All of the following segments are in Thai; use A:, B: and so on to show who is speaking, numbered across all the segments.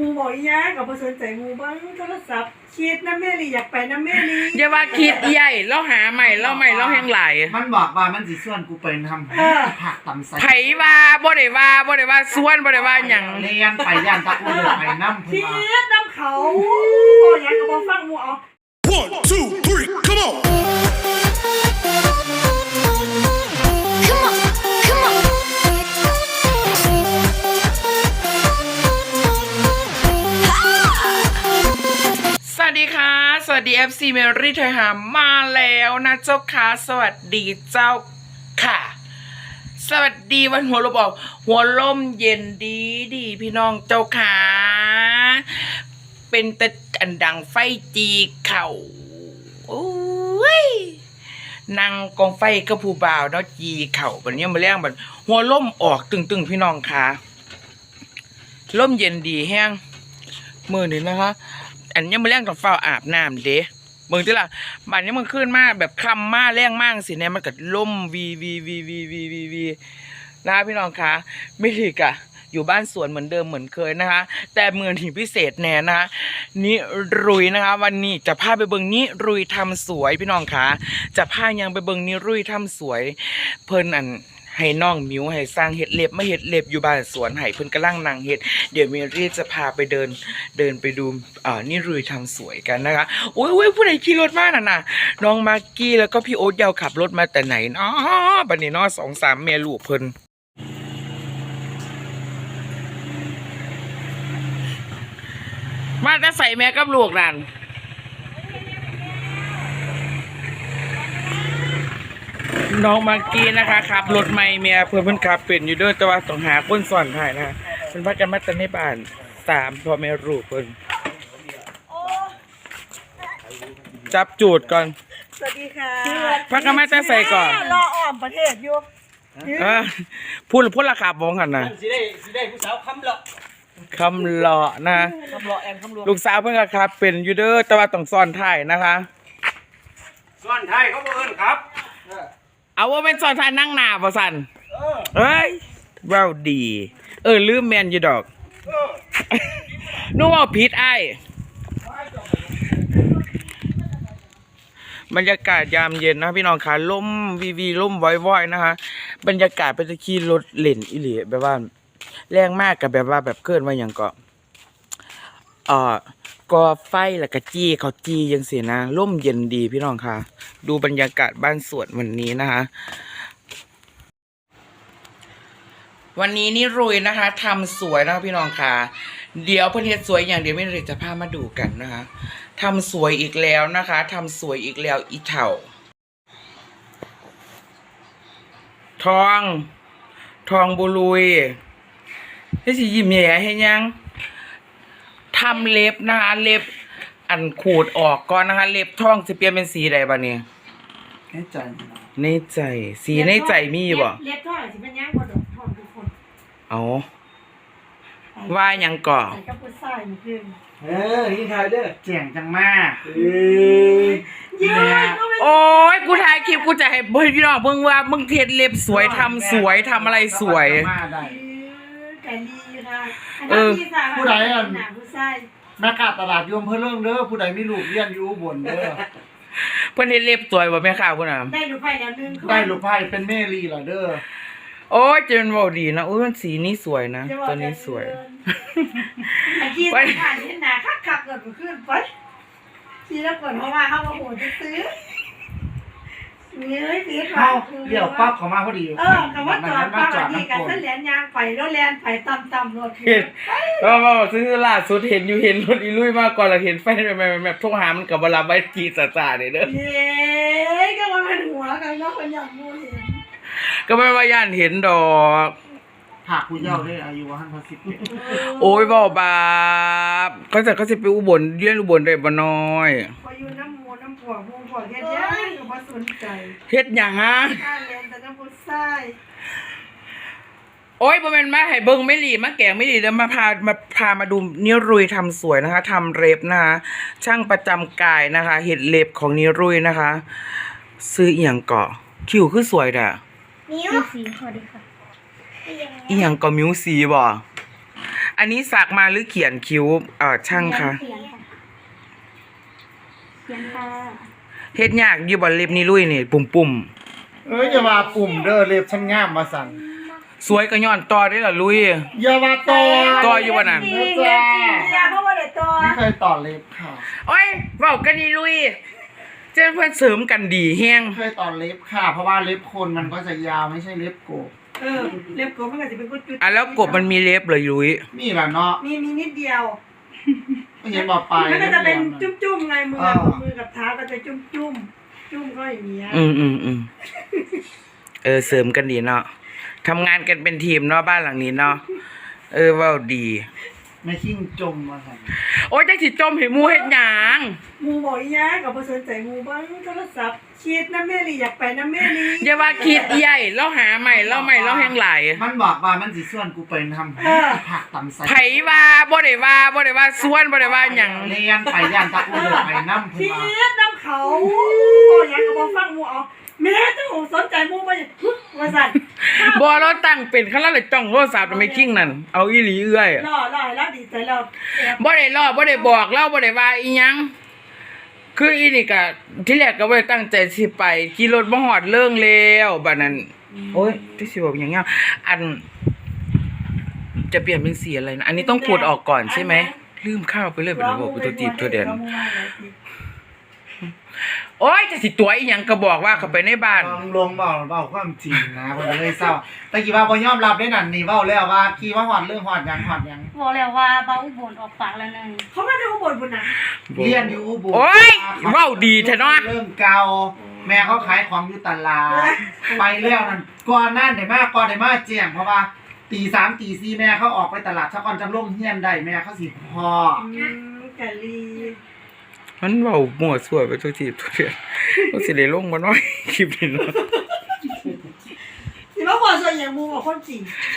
A: มูบอกอีหยังกับบ่สนใจมูบ้างโทรศัพท์คิดน้ำแม่ลีอยากไปน้ำแม่ลี
B: อย่าว่าคิดใหญ่เราหาใหม่เราแห้งไหล
C: มันบอกว่ามันสิส่วนกูไปทำผักตำใส่
B: ไผว่าบ่ได้ว่าส่วนบ่ได้ว่าหยัง
C: เรียนไปย่านตะกูเดือดไปน้ำ
A: คิ
C: เพิ่น
A: ดน้ำเขาโอ้ยยังกับบ่ฟังมูเอา
D: 1, 2, 3, come on!
E: Come on.
B: สวัสดีค่ะสวัสดี FC เมรี่ไทยหามาแล้วนะเจ้าค่ะสวัสดีเจ้าค่ะสวัสดีวันหัวลมออกหัวลมเย็นดีพี่น้องเจ้าค่ะเป็นแต่อันดังไฟจีเข่าโอ้ยนั่งกองไฟกับผู้บ่าวเนาะจีเข่าแบบนี้มาเลี้ยงแบบหัวลมออกตึงพี่น้องค่ะลมเย็นดีแห้งมือนี่นะคะอันนี้มาเลี้ยงกับเฝ้าอาบน้ำเด้มึงที่ละบ้านนี้มึงขึ้นมาแบบคำมาแรงมากสิเนี่ยมันก็ล่มวีนะพี่น้องคะไม่ถีกะอยู่บ้านสวนเหมือนเดิมเหมือนเคยนะคะแต่เมืองที่พิเศษแน่นะคะนิรุยนะคะวันนี้จะพาไปเบิงนิรุยทำสวยพี่น้องคะจะพายังไปเบิงนิรุยทำสวยเพิ่นอันให้น้องมิวให้สร้างเห็ดเล็บมาเห็ดเล็บอยู่บ้านสวนให้เพิ่นกำลังนั่งเห็ดเดี๋ยวเมรี่จะพาไปเดินไปดูนิรุยทำสวยกันนะคะโอ้ยผู้ใดขี่รถมาน่ะน้องมากกี้แล้วก็พี่โอ๊ตยาวขับรถมาแต่ไหนเนาะบัดนี้เนาะ2-3 เมียลูกเพิ่นมาจะใส่แม่กับลูกนั่นน้องมากกี้นะคะขับรถไม่เมียเพิ่นขับเป็นอยู่ด้วยแต่ว่าต้องหาคนสอนถ่ายนะเพิ่นพักกันมาแต่ในบ้าน3พ่อแม่ลูกเพิ่นจับจูดก่อน
A: สวัสดีค่ะ
B: พักกันมาจะใส่ก่อน
A: รออ้อมประเทศอยู่
B: พูดราคาบ้องกันนะ
C: สิได้ผู้สาวคำเลาะ
B: นะ
C: คำเลาะแอนคำเลาะ
B: ลูกสาวเพิ่นก็ขับเป็นอยู่เด้อแต่ว่าต้องสอนถ่ายนะคะ
C: ส่วนไทยเขาบอกเอิ้นครับ
B: เอาว่าเป็นสอนถ่ายนั่งหน้าบ่สั่นเอ้ยว้าวดีลืมแมนอยู่ดอกนู้ว่าผิดไอ้บรรยากาศยามเย็นนะพี่น้องค่ะลมวีลมว้อยๆนะคะบรรยากาศเป็นตะขี่รถเล่นอิหลีแบบว่าแรงมากกับแบบว่าแบบเกินว่าอย่างก็ก่อไฟแล้วก็จี้เขาจี้ยังเสียนะร่มเย็นดีพี่น้องค่ะดูบรรยากาศบ้านสวนวันนี้นะคะวันนี้นี่รุยนะคะทำสวยนะคะพี่น้องค่ะเดี๋ยวเพื่อนเฮ็ดสวยอย่างเดียวไม่เลยจะพามาดูกันนะคะทำสวยอีกแล้วนะคะทำสวยอีกแล้วอีเถ่าทองบุรุยให้สิยิ้มแย่ให้ยังทำเล็บนะคะเล็บอันขูดออกก่อนนะคะเล็บทองจะเปลี่ยนเป็นสีใดบ้านี้ในใจสีในใจมีบ่
A: เล็บทอดสิเป็นยังบ่ดอกทองทุกคน
B: เอาว่ายังก่อ
A: ใส่กับผู้ชายนี่คือ
C: ยิ่งทายเด้อแจ่งจังมาก
B: โอ้ยกูถ่ายคลิปกูจะให้พี่น้องเบิ่งว่ามึงเทศเล็บสวยทำสวยทำอะไรสวย
A: กันดีค่ะ
C: ผู้ใดแม่ค้าตลาดยมเพิ่นเรื่องเด้อผู้ใดมีลูกเรียนอยู่บนเด้อ
B: เพิ่นเฮ็ดเล็บสวยบ่แม่ค้าพุ่นน่ะ
A: ได้ลูกไผ่แล้วนึง
C: ได้ลูกไผ่เป็นแม่ลีล่ะเด้อ
B: โอ้ยจะเป็นบ่ดีนะโอ้ยมันสีนี้สวยนะตัวนี้สวย
A: ไปขายที่นาคักๆเกิดขึ้นไปทีแล้วก่อนเพราะว่าเฮาบ่โหจะซื้อนี่สิค่ะ
C: เดี๋ยวปั๊บเข้ามาพอดี
A: คำว่าจอดปั๊บนี่กันเส้นแหลนยางไปแล้วแลนไปต่ำๆรถ
B: เห็นซื้อล่าสุดเห็นรถอีลุยมาก่อนแล้วเห็นไฟแบบโทรหามันก็บ่รับไว้จีจ่าๆเด้อ
A: เย้ก็มันเป็นหัวกันเนาะคนอยากมูเห็น
B: ก็ไม่ว่าย่านเห็นดอก
C: หากผู้เยาว์ได้อายุ150
B: โอ้ยบอกบาปเขาจะไปอุบลเรียนอุบลได้บ่น้อย
A: พออยู่น้ำมูน้ำผัวเฮ็ดยังก็บ่สนใจ
B: เฮ็ดหยังฮะ
A: การเรียนแต่น้ำผู้ชาย
B: โอ้ยบ่แม่นมาให้เบิ่งไม่หลีมาแกงไม่หลีแล้วมาพามาดูนิรุยทำสวยนะคะทำเล็บนะคะช่างประจำกายนะคะเฮ็ดเล็บของนิรุยนะคะซื้ออีหยังเกาะคิ้วคือสวยด่ะ
E: นิ้วสีขอดีค่ะ
B: อีหยังก็มิวสีบ่อันนี้สักมาหรือเขียนคิ้วช่างคะ
E: เขียนค่ะเขียนค่ะ
B: เฮ็ดยากอยู่บ่เล็บนี่ลุยนี่ปุ่ม
C: อย่าว่าปุ่มเด้อเล็บฉันงามมาสั่น
B: สวยก็ย้อนต่อได้ล่ะลุย
C: อย่าว่าต่อ
B: ต่ออยู่บ่นั่น
C: นะจ๊ะ
A: ยาเพราะว่าเด็กตัว
C: ไม่เคยต่อเล็บค่ะ
B: โอ้ยเว้ากันนี่ลุยเจ้าเพิ่นเสริมกันดีแฮง
C: ไม่เคยต่อเล็บค่ะ เพราะว่าเล็บคนมันก็จะยาวไม่ใช่เล็บโกบ
A: เล็บโกมันก็จะเป็นกุจุด
B: แล้วกบมันมีเล็บเลยลุย
C: มีแหละเนาะ
A: มีนิดเดียว
C: ไม่เห็นบอกไป
A: มันก็จะเป็น
C: ล็บ
A: จุ้มๆไงมือกับเท้าก็จะจุ้มจุ้มก็อย่างเงี้ย
B: อืมเสริมกันดีเนาะทำงานกันเป็นทีมเนาะบ้านหลังนี้เนาะเว้าดี
C: ไม่ขิ้งจมมาสั่น
B: โอ้ยจังสิจมให้หมู่เฮ็ดหยัง
A: มูบอกอีหยังกับบ่สนใจมูบ้างโทรศัพท์คิดน้ำแม่ลีอยากไปน้ำแม่ลี
B: อย่าว่าคิดใหญ่เราหาใหม่เราแฮงหลาย
C: มันบอกว่ามันสิส่วนกูไปทำผักตำไส้
B: ไผว่าบ่ได้ว่าส่วนบ่ได้ว่าหยัง
C: เรียนไปย่านตะอูเดินไปน้ำ
A: คิ
C: เพิ่นว่า
A: ดน้ำเขาโอ้ยังกับบ่ฟังมูเอาแม่เจ้าของสนใจมูบ่ว่าสั่น
B: บ่เราตั้งเป็นคันละเลยจ้องโทรศัพท์ไม่คิงนั่นเอาอีหลีเอื้อย
A: รอแล้วดีใจแล้ว
B: บ่ได้ล้อบ่ได้บอกเราบ่ได้ว่าอีหยังคืออีนี่ก็ที่แรกก็บ่ได้ตั้งใจสิไปขี่รถบ่ฮอดเรื่องแล้วบัดนั้นโอ๊ยที่สิบอกหยังเงี้ยอันจะเปลี่ยนเป็นสีอะไรนะอันนี้ต้องขูดออกก่อนใช่ไหมลืมข้าวไปเลยบ่ได้บอกไปตัวจีบตัวเด่นโอ๊ยจะสิตัวอีหยังก็บอกว่าเข้าไปในบ้าน
C: ลงเบาความจริงนะคนเลยเศร้าแต่กี่ว่าบ่ยอมรับได้นั่นนี่เว้าแล้วว่ากี่ว่าฮอดเรื่องฮอดหยัง
E: บอกแล้วว่าเบาอุบลออกปากแล้วนึง
A: เขาไม่ได้อุบลบุญนะ
C: เรียนอยู่อุบล
B: โอ๊ยเว้าดีแท้เนาะ
C: เรื่องเก่าแม่เขาขายของอยู่ตลาดไปแล้วนั่นก่อนนั่นได้มาแจ้งเพราะว่าตี 3 ตี 4แม่เขาออกไปตลาดชะก่อนจำลงเฮียนได้แม่เขาสิพอก
A: ะลี
B: มันเว้ามั่วซั่วไปตัวจีบตัวเด่นก็สิได้ลงบ่น้อยคลิปนี้เนาะ
A: สิมาบอกส่วนอย่างมูบอกคนจริง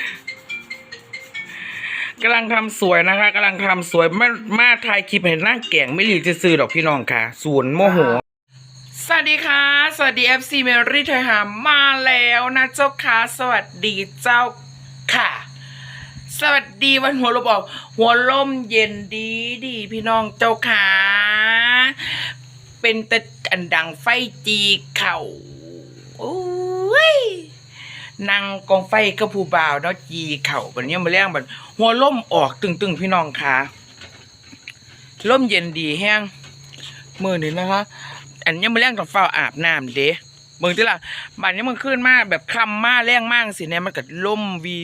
B: กำลังทำสวยนะคะกำลังทำสวยมาถ่ายคลิปให้นั่งแก่งไม่หลีจะซื้อดอกพี่น้องค่ะศูนย์โมโหสวัสดีค่ะสวัสดี FC เมรี่ไทยหามาแล้วนะเจ้าค่ะสวัสดีเจ้าค่ะสวัสดีวันหัวลมออกหัวลมเย็นดีพี่น้องเจ้าค่ะเป็นแต่อันดังไฟจีเข่าโอ้ยนั่งกองไฟกับผู้บ่าวเนาะจีเข่าบัดนี้มาแรงบัดหัวลมออกตึงพี่น้องค่ะลมเย็นดีแห้งมื้อนี้นะคะอันนี้มาแรงต้องเฝ้าอาบน้ำเด้เบิ่งติล่ะบัดนี้มันขึ้นมาแบบคำมาแรงมากสิเนี่ยมันก็ล่มวี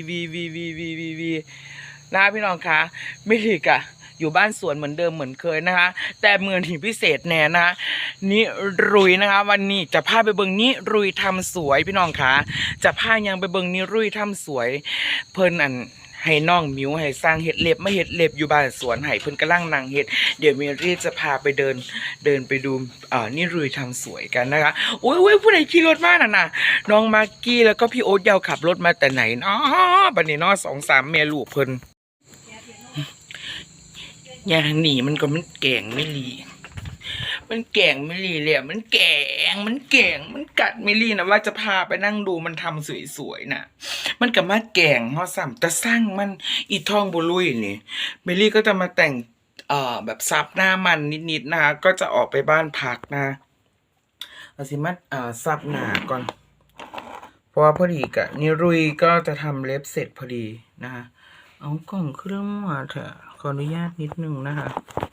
B: นะพี่น้องคะไม่ถีกะอยู่บ้านสวนเหมือนเดิมเหมือนเคยนะคะแต่เมืองที่พิเศษแน่นะคะนิรุยนะคะวันนี้จะพาไปเบิ่งนิรุยทำสวยพี่น้องคะจะพายังไปเบิ่งนิรุยทำสวยเพิ่นอันให้น้องมิวให้สร้างเห็ดเล็บมาเห็ดเล็บอยู่บ้านสวนให้เพิ่นกำลังนั่งเห็ดเดี๋ยวมีรีจะพาไปเดินไปดูนิรุยทำสวยกันนะคะโอ้ยผู้ใดขี่รถมาน่ะน้องมากกี้แล้วก็พี่โอ๊ตยาวขับรถมาแต่ไหนเนาะบัดนี้เนาะ2-3แม่ลูกเพิ่นอย่างหนีมันก็มันแก่งไม่รีมันแก่งไม่รีเลยมันแก่งมันกัดไม่รีนะว่าจะพาไปนั่งดูมันทำสวยๆนะมันกับมาแก่งเฮาซ้ำแต่สร้างมันอีทองบุลุยนี่เมลี่ก็จะมาแต่งแบบซับหน้ามันนิดๆนะคะก็จะออกไปบ้านพักนะเอาสิมาซับหน้าก่อนเพราะว่าพอดีกะนิรุยก็จะทำเล็บเสร็จพอดีนะคะเอากล่องเครื่องมาเถอะขออนุญาตนิดนึงนะคะ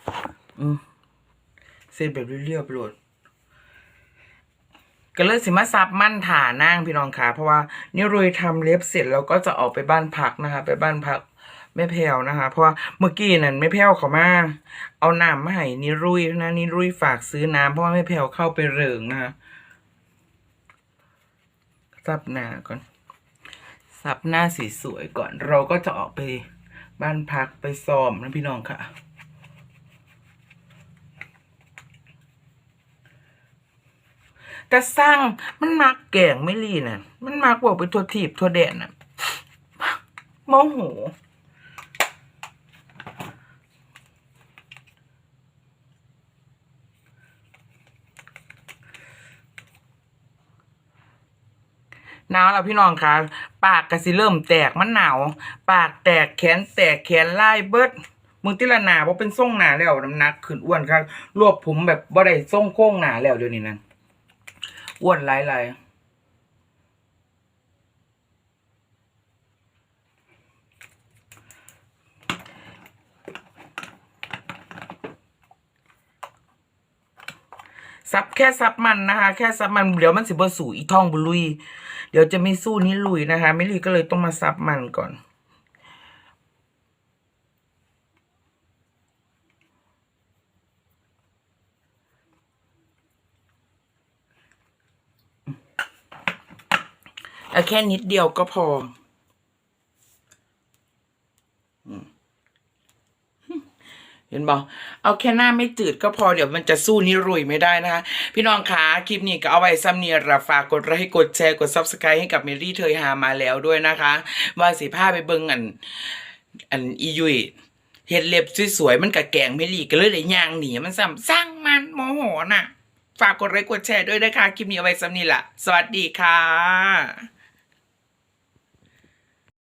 B: เสร็จแบบเรียบๆโหลดก็เลยสิมาซับมั่นถ่านั่งพี่น้องค่ะเพราะว่านิรุยทำเล็บเสร็จแล้วก็จะออกไปบ้านพักนะคะไปบ้านพักแม่แพรวนะคะเพราะว่าเมื่อกี้นั่นแม่แพรวเขามาเอาน้ำมาให้นิรุยนะนิรุยฝากซื้อน้ำเพราะว่าแม่แพรวเข้าไปเริงนะคะซับหน้าก่อนซับหน้าสีสวยก่อนเราก็จะออกไปบ้านพักไปซ้อมนะพี่น้องค่ะแต่สร้างมันมักแก่งไม่รีน่ะมันมักบอกไปทัวทีบทัวแดนน่ะโมโหหนาวแล้วพี่น้องค่ะปากก็สิเริ่มแตกมันหนาวปากแตกแขนแตกแขนลายเบิดมึงติละหนาบ่เป็นทรงหนาแล้วน้ำหนักขึ้นอ้วนครับรวบผมแบบบ่ได้ทรงโค้งหนาแล้วเดี๋ยวนี้นั่นอ้วนหลายซับแค่ซับมันนะคะแค่ซับมันเดี๋ยวมันสิบ่สู่อีท่องบุลุยเดี๋ยวจะไม่สู้นี้ลุยนะคะไม่ลุยก็เลยต้องมาซับมันก่อนเอาแค่นิดเดียวก็พอเห็นบอกเอาแค่หน้าไม่จืดก็พอเดี๋ยวมันจะสู้นิรุยไม่ได้นะคะพี่น้องคะคลิปนี้ก็เอาไว้ซ้ำเนียระฝากกดไลค์กดแชร์กด Subscribe ให้กับเมรี่เธอหามาแล้วด้วยนะคะว่าสิพาไปเบิ่งอันอียุยเฮ็ดเล็บสวยๆมันกะแกงเมรี่ก็เลยได้ย่างหนีมันซ้ำสร้างมันโมโหน่ะฝากกดไลค์กดแชร์ด้วยนะคะคลิปนี้เอาไว้ซ้ำนี้ล่ะสวัสดีค่ะ